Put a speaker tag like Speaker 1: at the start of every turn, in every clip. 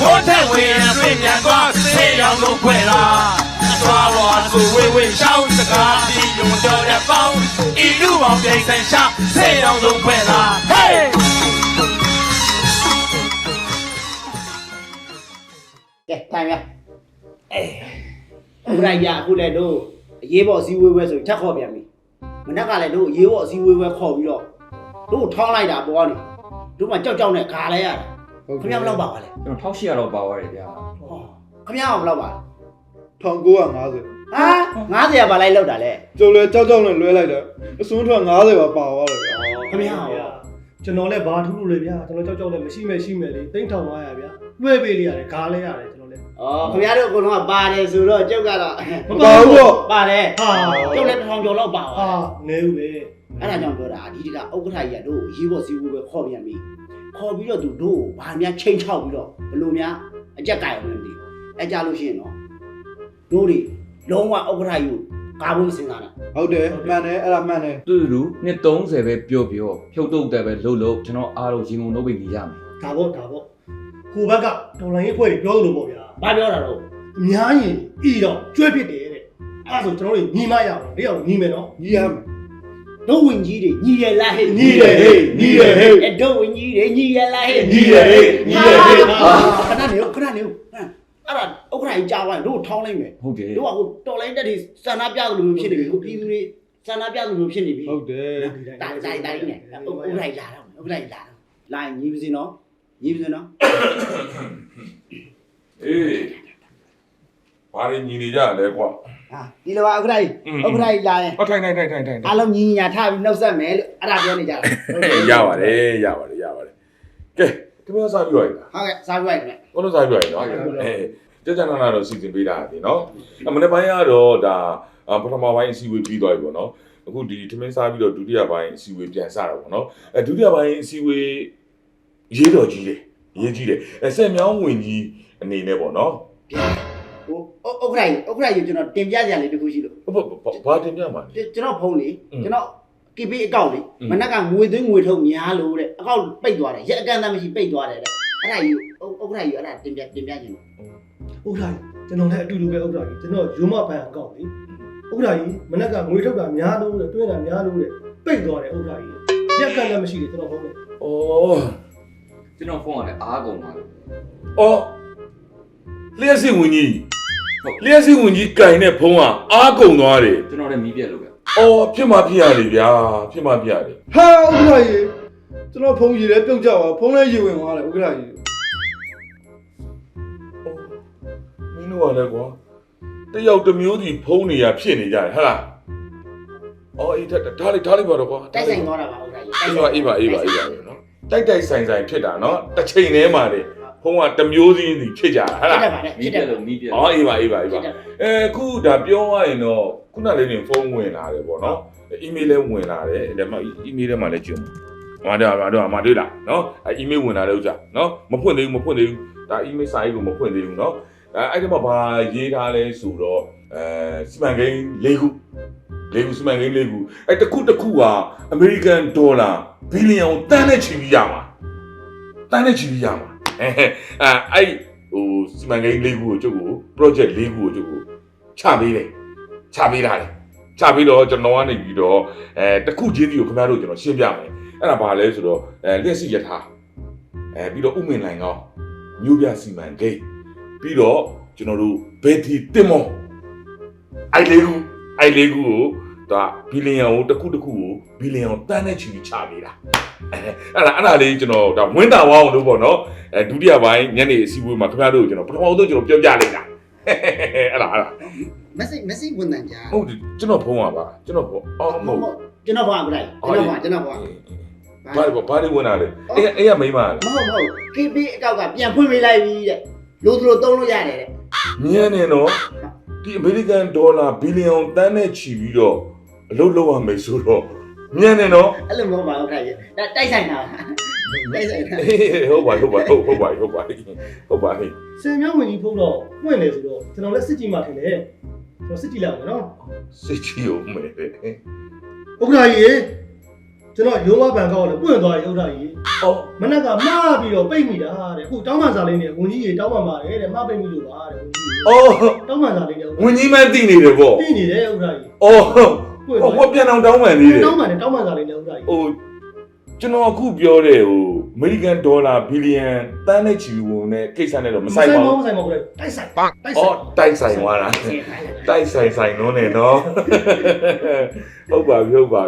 Speaker 1: 我才为对面光谁要弄快啦？抓我是微微小这个，你用掉了包，一路往边山下，谁要弄快啦？嘿！
Speaker 2: 给看没？哎，不然呀，后来都也把西微微说太好变没，我那个来都也把西微微好比了，都汤来的包呢，都嘛叫呢干来呀，他们不老包嘞，
Speaker 3: ကျွန်တော်1800လောက်ပါသွားတယ်ဗျာ
Speaker 2: 哦，他们不老包。
Speaker 4: 1950
Speaker 2: 啊，50把来လောက်တာလေ
Speaker 4: ကျုပ်လည်းကြောက်နဲ့လွဲလိုက်တယ်အစွန်းထွက်50ပါပါသွားတယ်ဗျာ
Speaker 2: ခင်ဗျား
Speaker 5: ကျွန်တော်လည်းဘာထူးလို့လဲဗျာကျွန်တော်ကြောက်လည်းမရှိမဲ့လေ3500ဗျာလွှဲပေးလိုက်ရတယ်ဂါးလဲရတယ်ကျွန်တော်လည်း
Speaker 2: ဩခင်ဗျားတို့အကုန်လုံးကပါတယ်ဆိုတော့ကျုပ်ကတော့
Speaker 5: မပါဘူးပေါ့
Speaker 2: ပါတယ်
Speaker 5: ဟာ
Speaker 2: ကျုပ်လည်း1000ကျော်လောက်ပါ
Speaker 5: ဟာနေဦးပဲ
Speaker 2: အဲ့ဒါကြောင့်ပြောတာဒီတကဥက္ကဋ္ဌကြီးကတို့ရေးဖို့စီးဖို့ပဲခေါ်ပြန်ပြီခေါ်ပြီးတော့သူတို့ဘာများချိန်ချောက်ပြီးတော့ဘလို့များအကြက်ကြိုင်အောင်မသိအဲ့ကြလို့ရှိရင်တော့တို့တွေလုံးဝဥက္ကဋ္ဌကြီးကိုကာဖို့မစင်စားနဲ့
Speaker 4: ဟုတ်တယ်မှန်တယ်အဲ့ဒါမှန်တယ်
Speaker 3: သူ့လူနှစ်30ပဲပြောဖြုတ်တုတ်တယ်ပဲလှုပ်ကျွန်တော်အားလုံးရင်ကုန်လုပ်ပြီးနေရမယ်
Speaker 5: ဒါပေါ့ဟိုဘက်ကတော်လိုင်းရေးဖွဲ့ပြောလို့ပေါ့ဗျာ
Speaker 2: ဘာပြောတာတော့
Speaker 5: အများကြီးဤတော့ကျွဲဖြစ်တယ်တဲ့အဲ့ဒါဆိုကျွန်တော်တို့ညီမရအောင်ဒီအောင်ညီမယ်နော်
Speaker 4: ညီရမယ်
Speaker 2: တို့ဝင်ကြီးတွေညီရလားဟဲ့
Speaker 5: ညီတယ်ဟေးညီတယ်ဟေး
Speaker 2: အဲ့တို့ဝင်ကြီးတွေညီရလားဟဲ့
Speaker 5: ညီတယ်ဟေးညီတယ်ဟေး
Speaker 2: ခဏနေဦးအဲ့ဒါဥက္ကဋ္ဌကြီးကြားသွားရင်တို့ထောင်းလိုက်မယ်
Speaker 3: ဟုတ်တယ်
Speaker 2: တို့ကဟိုတော်လိုင်းတက်တွေစန္ဒပြသလိုမျိုးဖြစ်နေပြီဟိုပြည်သူတွေစန္ဒပြသလိုမျိုးဖြစ်နေပြီ
Speaker 4: ဟုတ်တယ်
Speaker 2: တိုင်းနဲ့ဥက္ကဋ္ဌကြီးလာတော့လာရင်ညီပါစေနော်ညီပါစေနော်
Speaker 6: အေးဘာရင်းညီနေကြလဲကွာ
Speaker 2: ဟာဒီလိုပါဥက္ကဋ္ဌကြီးလာရင်
Speaker 6: ဟောထိုင်
Speaker 2: အားလုံးညီညာထားပြီးနှုတ်ဆက်မယ်လို့အဲ့ဒါပြောနေကြတာ
Speaker 6: ရပါတယ်ကဲဒီမျိုးစားပြီးရည်လား
Speaker 2: ဟုတ်ကဲ့စားပြလိုက်မယ်
Speaker 6: ဘုလို့စားပြီးရည်နော်ကြကြနာနာတော့စီစဉ်ပေးတာဒီနော်မနေ့ပိုင်းကတော့ဒါပထမပိုင်းအစည်းအဝေးပြီးသွားပြီပေါ့နော်အခုဒီထမင်းစားပြီးတော့ဒုတိယပိုင်းအစည်းအဝေးပြန်စတာပေါ့နော်ဒုတိယပိုင်းအစည်းအဝေးရေးတော်ကြီးတယ်ရေးကြီးတယ်စက်မြောင်းဝင်ကြီးအနေနဲ့ပေါ့နော်
Speaker 2: ဟိုဥက္ကဋ္ဌကြီးကျွန်တော်တင်ပြကြရလေတခုရှိလို့
Speaker 6: ဘာတင်ပြမှာလဲ
Speaker 2: ကျွန်တော်ဖုန်းလေကျွန်တော် KP အကောင့်လေမနက်ကငွေသွင်းငွေထုတ်များလို့တဲ့အကောင့်ပိတ်သွားတယ်ရက်အကန့်အသတ်မရှိပိတ်သွားတယ်တဲ့အဲ့ဒါကြီးဥက္ကဋ္ဌကြီးအဲ့ဒါတင်ပြခြင်းလို့
Speaker 5: ဥက္ကဋ္ဌကြီးကျွန်တော်လည်းအတူတူပဲဥက္ကဋ္ဌကြီးကျွန်တော်ရုံးမပန်းအကောင့်လေဥက္ကဋ္ဌကြီးမနက်ကငွေထုတ်တာများလို့တဲ့တွင်းတာများလို့တဲ့ပိတ်သွားတယ်ဥက္ကဋ္ဌကြီးရက်ကလည်းမရှိတယ်ကျွန်တော်ဟုတ်တယ်
Speaker 6: ဩ
Speaker 3: ကျွန်တော်ဖုန်းကလည်းအားကုန်ပါလို့
Speaker 6: အော်လျှက်စစ်ဝင်ကြီးလျှက်စစ်ဝင်ကြီးကင်တဲ့ဖုံးကအားကုန်သွားတယ်
Speaker 3: ကျွန်တော်လည်းမီးပြက်လို့ပဲ
Speaker 6: အော်ဖြစ်မှဖြစ်ရတယ်ဗျာဖြစ်မှဖြစ်ရတယ်
Speaker 4: ဟာဥက္ကဋ္ဌကြီးကျွန်တော်ဖုန်းရည်လည်းပြုတ်ကြပါဖုန်းလည်းရည်ဝင်သွားတယ်ဥက္ကဋ္ဌကြီး
Speaker 6: မင်းတို့ကလည်းကွာတယောက်တစ်မျိုးစီဖုံးနေရဖြစ်နေကြတယ်ဟဟလားအော်အေးဒါလေးပါတော့ကွာ
Speaker 2: တိုက်ဆိုင်သွားတာပါဥက္ကဋ္ဌကြီး
Speaker 6: အေးပါနော်တိုက်ဆိုင်ဖြစ်တာနော်တစ်ချိန်တည်းမှာလေဖုံးကတစ်မျိုးစီဖြစ်ကြတာဟဟလား
Speaker 3: မီးပြက်လို့မီးပြက်
Speaker 6: အော်အေးပါခုဒါပြောရရင်တော့ခုနလေးနေဖုန်းဝင်လာတယ်ပေါ့နော်အီးမေးလ်လည်းဝင်လာတယ်ဒါမှအီးမေးလ်ထဲမှာလည်းကျုံမှာတွေ့လားနော်အီးမေးလ်ဝင်လာတဲ့ဥစ္စာနော်မဖွင့်သေးဘူးဒါအီးမေးလ်စာရေးကိုမဖွင့်သေးဘူးနော်အဲ့ဒီမှာဘာရေးထားလဲဆိုတော့စီမံကိန်း၄ခုစီမံကိန်း၄ခုအဲ့တစ်ခုကအမေရိကန်ဒေါ်လာဘီလီယံတန်းနဲ့ချီပြီးရမှာအဲ့ဟိုစီမံကိန်း၄ခုကိုကျုပ်ကို project ၄ခုကိုကျုပ်ကိုချပေးတာလေချပြီးတော့ကျွန်တော်ကနေပြီးတော့တစ်ခုချင်းစီကိုခင်ဗျားတို့ကျွန်တော်ရှင်းပြမယ်အဲ့ဒါဘာလဲဆိုတော့လျှက်စီရထားပြီးတော့ဥမင်လိုင်ကောင်းမြို့ပြစီမံကိန်းပြီးတော့ကျွန်တော်တို့ဘယ်တီတင်မောအဲ့လေးခုကိုဒါဘီလီယံကိုတစ်ခုကိုဘီလီယံတန်းနဲ့ချီပြီးချပေးတာအဲ့ဒါလေးကျွန်တော်ဒါဝင်းတာဝအောင်လို့ပေါ့နော်ဒုတိယပိုင်းညနေအစည်းအဝေးမှာခင်ဗျားတို့ကျွန်တော်ပထမဆုံးကျွန်တော်ပြောပြလိုက်တာအဲ့ဒါ
Speaker 2: message ဝင်တယ်ကြာ
Speaker 6: ဟုတ်တယ်ကျွန်တော်ဖုန်းပါပါကျွန်တော်ဖုန်းအော်မဟုတ်
Speaker 2: ကျွန်တော်ဘာဥက္ကဋ္ဌကြီးကျွန်တော်ဘာ
Speaker 6: ဘာတွေဝင်လာလဲအဲ့ရမိမလား
Speaker 2: မဟုတ် KP အကောက်ကပြန်ဖွင့်ပေးလိုက်ပြီတဲ့လို့သူတို့သုံးလို့ရတယ်တဲ့
Speaker 6: မြင်နေတော့ဒီအမေရိကန်ဒေါ်လာဘီလီယံတန်းနဲ့ချီပြီးတော့အလုပ်လုပ်ရမယ်ဆိုတော့မြင်နေတော့
Speaker 2: အဲ့လိုမဟုတ်ပါဘူးခင်ဗျာဒါတိုက်ဆိုင်တာတိုက်ဆိုင်တာ
Speaker 6: ဟုတ်ပါ
Speaker 5: စင်မြောင်းဝင်ကြီးဖုန်းတော့ပွင့်တယ်ဆိုတော့ကျွန်တော်လည်းစစ်ကြည့်မှထင်တယ်ကျွန်တော်စစ်ကြည့်လိုက်အောင်နော်
Speaker 6: စစ်ချီကိုမယ်
Speaker 5: ဥက္ကဋ္ဌကြီးကျွန်တော်ရုံးမဘန်ကောက်လည်းပွင့်သွားပြီဥဒ္ဒါကြီး
Speaker 6: အော်
Speaker 5: မနက်ကမှားပြီးတော့ပိတ်မိတာတဲ့အခုတောင်းပန်စာလေးနဲ့ဝန်ကြီးကြီးတောင်းပန်ပါတယ်တဲ့မှားပိတ်မိလို့ပါတဲ့ဝန်ကြီးကြီး
Speaker 6: အော်
Speaker 5: တောင်းပန်စာလေးနဲ့
Speaker 6: ဝင်ကြီးမန်းသိနေတယ်ပေါ့
Speaker 5: သိနေတယ်ဥဒ္ဒါကြီး
Speaker 6: အော်ဟိုပြန်အောင်တောင်းပန်သေးတယ်
Speaker 5: တောင်းပန်တယ်တောင်းပန်စာလေးနဲ့ဥဒ္ဒါကြီး
Speaker 6: ဟိုကျွန်တော်အခုပြောတဲ့ဟိုအမေရိကန်ဒေါ်လာဘီလီယံတန်းနဲ့ချီဝင်တဲ့ကိစ္စနဲ့တော့မဆိုင်ပါဘူး
Speaker 5: မဆိုင်ပါဘူးတိုက်ဆိုင်တိုက်ဆိုင်
Speaker 6: အော်တိုက်ဆိုင်သွားတာတိုက်ဆိုင်လုံးနေနော်ဟုတ်ပါပြီဘာ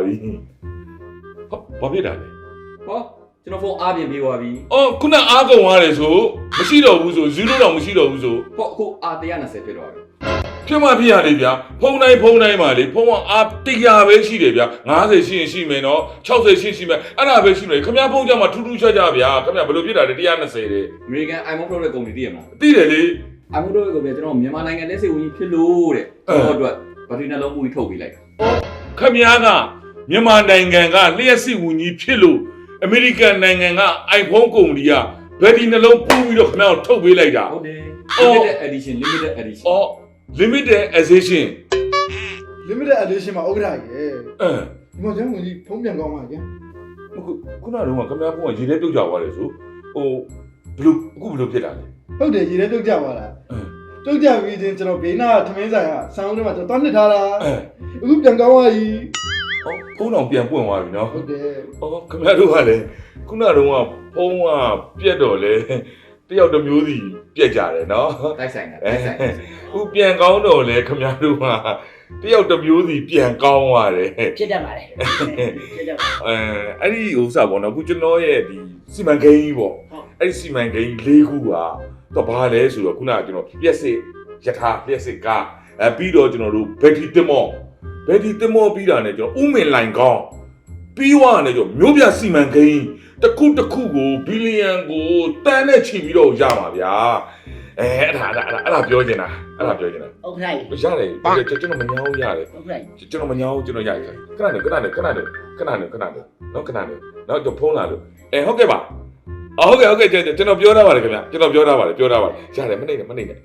Speaker 6: ဖြစ်တာလဲ
Speaker 3: ဟောကျွန်တော်ဖုန်းအားပြင်ပြီးသွားပြီ
Speaker 6: အော်ခုနအားကုန်သွားတယ်ဆိုမရှိတော့ဘူးဆို0တော့မရှိတော့ဘူးဆို
Speaker 3: ဟောအခုအား120ဖြစ်သွားပြီ
Speaker 6: ဖြစ်မှဖြစ်ရတယ်ဗျာဖုန်းတိုင်းမှာလေဖုန်းကအား100ပဲရှိတယ်ဗျာ50ရှိရင်ရှိမယ်နော်60ရှိမယ်အဲ့ဒါပဲရှိမယ်ခင်ဗျားဖုန်းကြမှာထူးထူးခြားခြားဗျာခင်ဗျာဘယ်လိုဖြစ်တာလဲ120တဲ့
Speaker 3: အမေရိကန် iPhone Pro ရဲ့ကုမ္ပဏီသိရမလား
Speaker 6: သိတယ်လေ
Speaker 3: iPhone Pro ရဲ့ကုမ္ပဏီကျွန်တော်မြန်မာနိုင်ငံလက်စေဝင်ကြီးဖြစ်လို့တဲ့ကျွန်တော်အတွက်ဘက်ထရီနှလုံးမှုကြီးထုတ်ပေးလိုက်တာ
Speaker 6: ခင်ဗျားကမြန်မာနိုင်ငံကလျှက်စစ်ဝင်ကြီးဖြစ်လို့အမေရိကန်နိုင်ငံက iPhone ကုမ္ပဏီကဘယ်ဒီနှလုံးပူးပြီးတော့ခင်ဗျားကိုထုတ်ပေးလိုက်တာ
Speaker 3: ဟုတ်တယ် limited edition
Speaker 6: အော် limited edition
Speaker 4: limited edition မှာဥက္ကဋ္ဌကြီးရဲ့
Speaker 6: အ
Speaker 4: ဒီမှာကျွန်တော်ဝင်ကြီးဖုံးပြန်ကောင်းပါကြ
Speaker 6: ခုနကတော့ခင်ဗျားဖုန်းကရေထဲပြုတ်ကြသွားတယ်ဆိုဟိုဘလို့ဖြစ်တာလဲ
Speaker 4: ဟုတ်တယ်ရေထဲတုတ်ကြပါလားတုတ်ကြပြီးချင်းကျွန်တော်ဘေးနာထမင်းဆိုင်ကဆောင်းထဲမှာကျွန်တော်တွန်းနှစ်ထားတာအခုပြန်ကောင်းပါပြီ
Speaker 6: ဖုန်းတော်ပြန်ပွင့်သွားပြီနော်
Speaker 4: ဟုတ်တယ်
Speaker 6: အော်ခင်ဗျားတို့ကလည်းခုနကတော့ဖုန်းကပြက်တော့လေတယောက်တစ်မျိုးစီပြက်ကြတယ်နော်
Speaker 3: တိုက်ဆိုင်တာ
Speaker 6: ဥပြန်ကောင်းတော့လေခင်ဗျားတို့ကတယောက်တစ်မျိုးစီပြန်ကောင်းသွားတယ်
Speaker 2: ဖြစ်တတ်ပါတယ်ဖြစ်တတ်ပါ
Speaker 6: အဲ့ဒီဥစ္စာပေါ့နော်အခုကျွန်တော်ရဲ့ဒီစီမံကိန်းကြီးပေါ့အဲ့ဒီစီမံကိန်း၄ခုကတော့ဘာလဲဆိုတော့ခုနကကျွန်တော်ပြက်စစ်ယထာပြက်စစ်ကားပြီးတော့ကျွန်တော်တို့ဘက်ထရီတင်မောပြီးတာနဲ့ကျွန်တော်ဥမင်လိုင်ကောင်းပြီးွားနဲ့ကျွန်တော်မျိုးပြစီမံကိန်းတစ်ခုကိုဘီလီယံကိုတန်းနဲ့ချီပြီးတော့ရမှာဗျာအဲ့ဒါပြောချင်တာ
Speaker 2: ဥက္ကဋ္ဌကြီး
Speaker 6: ရတယ်ကျွန်တော်မညောင်းရတယ်
Speaker 2: ဥက္ကဋ္ဌကြီး
Speaker 6: ကျွန်တော်မညောင်းကျွန်တော်ရိုက်တယ်ခဏနော်ကျွန်တော်ဖုန်းလာလို့ဟုတ်ကဲ့ပါဟုတ်ကဲ့ကျွန်တော်ပြောထားပါတယ်ခင်ဗျကျွန်တော်ပြောထားပါတယ်ရတယ်မနေနဲ့ရတယ်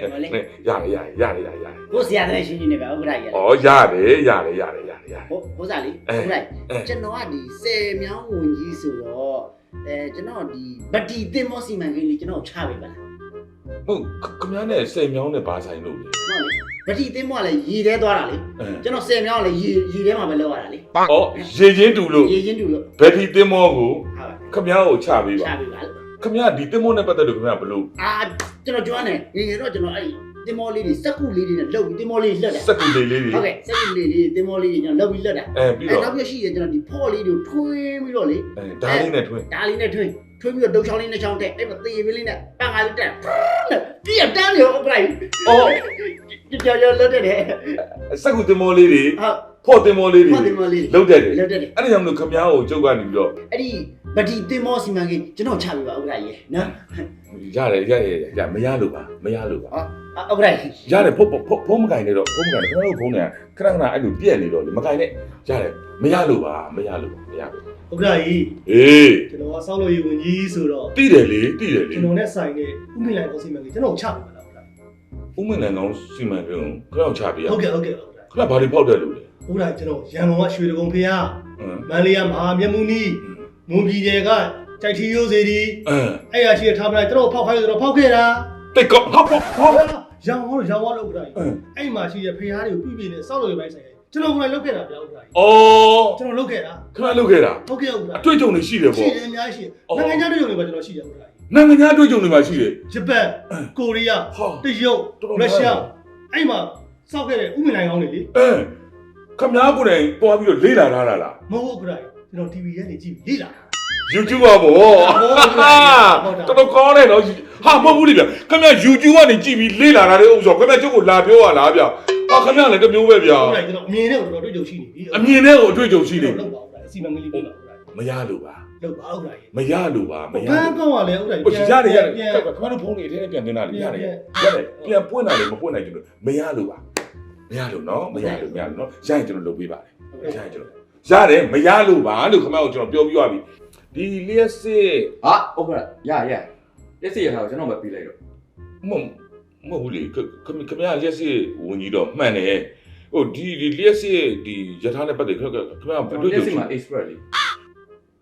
Speaker 2: ကိုဆရာတဲ့ရှင်းနေပဲဥက္ကဋ္ဌကြီး
Speaker 6: ဩရတယ်
Speaker 2: ဟိုစားလေးဥက္ကဋ္ဌကြီးကျွန်တော်ကဒီ10မြောင်းဝင်ကြီးဆိုတော့ကျွန်တော်ဒီဗတိတင်မောစီမံကိန်းလေးကျွန်တော်ချပေးပါလား
Speaker 6: ဟုတ်ခင်ဗျားနဲ့10မြောင်းနဲ့ဘာဆိုင်လို့လဲ
Speaker 2: ဟုတ်လေဗတိတင်မောကလည်းရေထဲသွားတာလေကျွန်တော်10မြောင်းကလည်းရေထဲမှာပဲလောက်ရတာလေ
Speaker 6: ဩရေချင်းတူလို့
Speaker 2: ရေချင်းတူလို့
Speaker 6: ဘယ်ဒီတင်မောကိုခင်ဗျားကိုချပေးပါ
Speaker 2: ချပေးပါလို့
Speaker 6: ခင်ဗျားဒီတင်မောနဲ့ပတ်သက်လို့ခင်ဗျားဘလို့
Speaker 2: ကျွန်တော်ကြွားနေငယ်တော့ကျွန်တော်အဲ့တင်မောလေးတွေစက်ကူလေးတွေနဲ့လှုပ်ပြီးတင်မောလေးလှက်တာ
Speaker 6: စက်ကူလေးတွေ
Speaker 2: ဟုတ်ကဲ့စက်ကူလေးတွေတင်မောလေးတွေကျွန်တော်လှုပ်ပြီးလှက်တာ
Speaker 6: ပြီးတော့
Speaker 2: နောက်ပြရှိတယ်ကျွန်တော်ဒီဖော့လေးတွေထွင်းပြီးတော့လေ
Speaker 6: ဓာတ်လေးနဲ့ထွင်း
Speaker 2: ဒါလေးနဲ့ထွင်းပြီးတော့ဒုတ်ချောင်းလေးနဲ့ချောင်းတက်အဲ့မှာသေပင်းလေးနဲ့ပန်းကားလေးတက်ပြည့်တန်းရောဥပ္ပလိုက်
Speaker 6: ဩ
Speaker 2: ကြော်လွတ်တယ်
Speaker 6: စက်ကူတင်မောလေးတွေ
Speaker 2: ဟုတ်
Speaker 6: ဖော့တင်မောလေးတွေ
Speaker 2: ဖော့တင်မောလေး
Speaker 6: လုတ်တတ်တယ်
Speaker 2: လွတ်တယ်
Speaker 6: အဲ့ဒါကြောင့်မလို့ခင်ဗျားကိုကျုပ်ကနေပြီးတော့
Speaker 2: အဲ့ဒီဗတိတင်မောစီမံကိန်းကျွန်တော်ချပြပါဥပ္ပလိုက်ရေနော်
Speaker 6: ရတယ်မရလို့ပါ
Speaker 2: ဥပ္ပလိုက်
Speaker 6: ရတယ်ဖုန်းမကင်နေတော့ဖုန်းမကင်ခင်ဗျားတို့ဖုန်းနဲ့ခဏအဲ့လိုပြက်နေတော့လေမကင်နဲ့ရတယ်မရလို့ပါ
Speaker 5: ဥက္ကဋ္ဌကြီး
Speaker 6: အေး
Speaker 5: ကျွန်တော်ကစောက်လို့ရဝင်ကြီးဆိုတော့
Speaker 6: တိတယ်လေ
Speaker 5: ကျွန်တော်နဲ့ဆိုင်တဲ့ဥမင်လိုင်ကောစီမံကိန်းကျွန်တော်ချပေးပါလားဥက္ကဋ္ဌကြီး
Speaker 6: ဥမင်လန်ကောင်းစီမံကိန်းကိုခရောက်ချပေးရ
Speaker 5: ဟုတ်ကဲ့
Speaker 6: ခဏဘာတွေဖောက်တယ်လို့လဲ
Speaker 5: ဥက္ကဋ္ဌကျွန်တော်ရန်ကုန်ကရွှေတကုံဖေးမန္တလေးကမဟာမြတ်မုနီမွန်ပြည်နယ်ကကြိုက်ထီရိုးစေတီအဲ့ရရှိထားပလိုက်ကျွန်တော်ဖောက်ခိုင်းဆိုတော့ဖောက်ခဲ့တာ
Speaker 6: တိတ်ကောဟော
Speaker 5: ရောင်းသွားလို့ဥက္ကဋ္ဌကြီးအဲ့မှာရှိတဲ့ဖေးတွေကိုပြပြနေစောက်လို့ရပိုင်းဆိုင်ကျွန်တော်ကလည်းလုပ်ခဲ့တာဗျဥက္ကဋ္ဌကြီး
Speaker 6: အော်
Speaker 5: ကျွန်တော်လုပ်ခဲ့တာ
Speaker 6: ခဏလုပ်ခဲ့တာ
Speaker 5: ဟုတ်ကဲ့ဥက္ကဋ္ဌ
Speaker 6: အတွေ့အကြုံတွေရှိတယ်
Speaker 5: ရှိ
Speaker 6: ပေါ့
Speaker 5: တယ်အများကြီးရှိနိုင်ငံခြားတွေ့ုံတွေပါကျွန်တော်ရှိတယ်ဥက္ကဋ္ဌကြီး
Speaker 6: နိုင်ငံခြားအတွေ့အကြုံတွေမှာရှိတယ်
Speaker 5: ဂျပန်ကိုရီးယားတရုတ်ရုရှားအဲ့မှာစောက်ခဲ့တဲ့ဥမင်လိုင်ကောင်းတွေလေ
Speaker 6: ခမ ्या ကိုယ်တိုင်တွားပြီးတော့လေးလာထားတာလား
Speaker 5: မဟုတ်ဥက္ကဋ္ဌကြီးကျွန်တော် TV ရဲ့နေကြည့်လေ့လာတာ
Speaker 6: YouTube ပါဗောတော်ကောင်းတယ်နော်ဟာမဟုတ်ဘူးလေဗျခမ ्या YouTube ကနေကြည့်ပြီးလေးလာတာတဲ့ဥစ္စာခမ ्या ကျုပ်ကိုလာပြောရလားဗျဟာခမ ्या လည်းတမျိုးပဲဗျ
Speaker 5: ဟုတ်တယ်ကျွန်တော်အမြင်နဲ့ကိုတော်တော်တွေ့ကြုံရှိနေပြီ
Speaker 6: အမြင်နဲ့ကိုအတွေ့အကြုံရှိနေ
Speaker 5: လောက်ပါဥက္ကဋ္ဌစီမံကိန်းလေးပြပါဥက္ကဋ္ဌ
Speaker 6: မရလို့ပါ
Speaker 5: လောက်ပါဥက္ကဋ္ဌကြီး
Speaker 6: မရလို့ပါ
Speaker 5: ဘန်းကောင်းကလည်းဥက္ကဋ္ဌကြီး
Speaker 6: ရတယ်ခမ ्या တို့ဖုန်းတွေအထဲနဲ့ပြန်တင်တာလေရတယ်ပြန်ပွင့်တာလေမပွင့်နိုင်ကျွန်တော်မရလို့ပါမရလို့နော်မရလို့နော်ရရင်ကျွန်တော်လုပ်ပေးပါတယ်ရရင်ကျွန်တော်ရတယ်မရလို့ပါလို့ခမ ्या ကိုကျွန်တော်ပြောပြီးသွားပြီဒီလျှက်စစ်
Speaker 3: ဟာဟုတ်ကဲ့လက်စီရထားကိုကျွန်တော်မပြီးလိုက်တော့
Speaker 6: မဟုတ်ဘူးလေခင်ဗျားလက်စစ်ဝင်ကြီးတော့မှန်တယ်ဟိုဒီလက်စစ်ဒီယထာနဲ့ပတ်သက်ခင်ဗျားဘယ်လို
Speaker 3: လက်စီမှာ expert လေ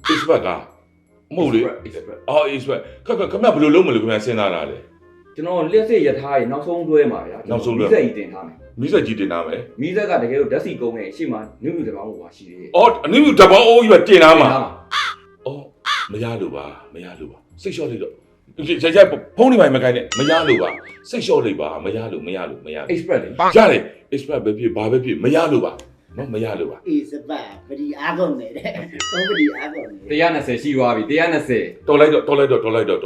Speaker 6: expert ကမဟုတ်လေအော် expert ခမဘယ်လိုလုပ်မလို့ခင်ဗျာစဉ်းစားတာလေ
Speaker 3: ကျွန်တော်လက်စစ်ရထားရဲ့နောက်ဆုံးတွဲမှာဗျာမီးစက်ကြီးတင်ထားမယ်
Speaker 6: မီးစက်ကြီးတင်ထားမယ်
Speaker 3: မီးစက်ကတကယ်လို့ဓာတ်စီကုန်းရဲ့အရှိမနုနုတပောင်းဟိုပါရှိသေးတယ်
Speaker 6: အော်အနည်းမျိုးတပောင်းအိုးကြီးပဲတင်ထားမှာအော်မရလို့ပါစိတ်လျှော့လိုက်တော့ရိုက်ဖုန်းနေမှမကိုင်းနဲ့မရလို့ပါစိတ်လျှော့လိုက်ပါမရလို့
Speaker 3: express လေ
Speaker 6: ရတယ် expert ပဲဖြစ်ဘာပဲဖြစ်မရလို့ပါနော်မရလို့ပါ
Speaker 2: အေးစပတ်ပဒီအားကုန်နေတဲ့သုံးပဒီအားကုန်နေ
Speaker 3: 120ရှိသွားပြီ120
Speaker 6: တော်လိုက်တော့
Speaker 4: ဥက္ကဋ္ဌကြီး
Speaker 6: ဘာလဲ
Speaker 4: ကျွန်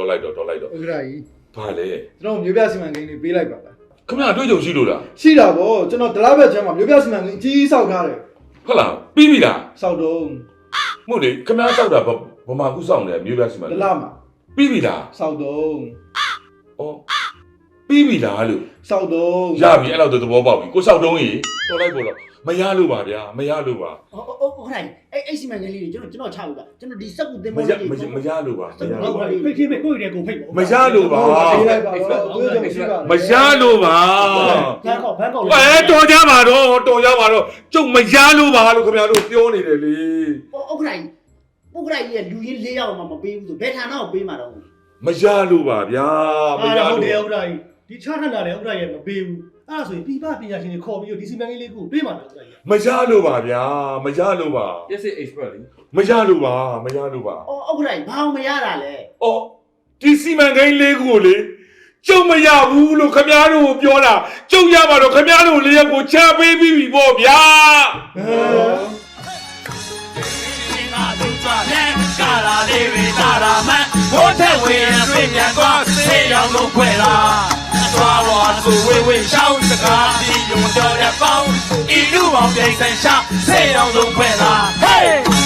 Speaker 4: တော်မျိုးပြစီမံကိန်းလေးပေးလိုက်ပါလား
Speaker 6: ခင်ဗျာအတွေ့အကြုံရှိလို့လား
Speaker 4: ရှိတာဗောကျွန်တော်ဒလားဘက်ချမ်းမှာမျိုးပြစီမံကိန်းကြီးစောက်ထားတယ်
Speaker 6: ဟုတ်လားပြီးပြီလား
Speaker 4: စောက်တော့
Speaker 6: မဟုတ်လေခင်ဗျာစောက်တာဗမာကူစောက်နေမျိုးပြစီမံ
Speaker 4: ဒလားမှာ
Speaker 6: ပြီးပြီလား
Speaker 4: စောက်တော့
Speaker 6: အော်ပြီးပြီလားလို့
Speaker 4: စောက်တော့
Speaker 6: ရပြီအဲ့လောက်သဘောပေါက်ပြီကိုစောက်တုံးကြီးတော်လိုက်ပေါ့တော့မရလို့ပါဗျာမရလို့ပါ
Speaker 2: ဟုတ်ခိုင်းအဲ့စီမံကိန်းလေးတွေကျွန်တော်ချဘူးလားကျွန်တော်ဒီစက်ကူတင်
Speaker 6: မ
Speaker 2: မော
Speaker 6: ရ
Speaker 2: လေး
Speaker 6: မရလို့ပါမရလို့ပါ
Speaker 5: ဖိတ်ဖိတ်ကိုယ့်ရဲ့ကိုဖိတ်ပေါ့
Speaker 6: မရလို့ပါ
Speaker 4: ပေးလိုက်ပါတော့သူတို့မရှိပါ
Speaker 6: မရလို့ပါ
Speaker 2: ဘန်းကောက်
Speaker 6: တော်ကြပါတော့ကျုပ်မရလို့ပါလို့ခင်ဗျားတို့ပြောနေတယ်လေ
Speaker 2: ဥက္ကဋ္ဌကြီးလူရင်း၄ယောက်မှမပေးဘူးဆိုဘယ်ဌာနကိုပေးမှာတော့
Speaker 6: မရလို့ပါဗျာမရ
Speaker 5: ဟုတ်
Speaker 6: လို့
Speaker 5: တယ်ဥက္ကဋ္ဌကြီးဒီချထနာတယ်ဥက္ကဋ္ဌကြီးမပေးဘူးအဲ့ဒါဆိုရင်ပြပပညာရှင်တွေခေါ်ပြီးတော့ဒီစီမံကိန်းလေးကိုပေးမှာတော့ဥက္ကဋ္ဌကြီး
Speaker 6: မရလို့ပါဗျာမရလို့ပါ
Speaker 3: လက်စစ် express လေ
Speaker 6: မရလို့ပါ
Speaker 2: ဥက္ကဋ္ဌကြီးဘာအောင်မရတာလဲ
Speaker 6: အော်ဒီစီမံကိန်းလေးခုကိုလေကျုပ်မရဘူးလို့ခင်ဗျားတို့ပြောတာကျုပ်ရပါတော့ခင်ဗျားတို့လေးရက်ကိုချပေးပြီးပြီပေါ့ဗျာ
Speaker 1: ကာလာလေးတွေတာရာမန်ဘိုးထက်ဝင်ပြင်းပြန်သွားဆေးရောင်လုံးခွဲလာသွားပေါ်သူဝေဝေရှောင်းစကားဒီယုံတော်တဲ့ပေါင်းဤလူအောင်ပြိုင်ဆိုင်ရှာဆေးရောင်လုံးခွဲလာ Hey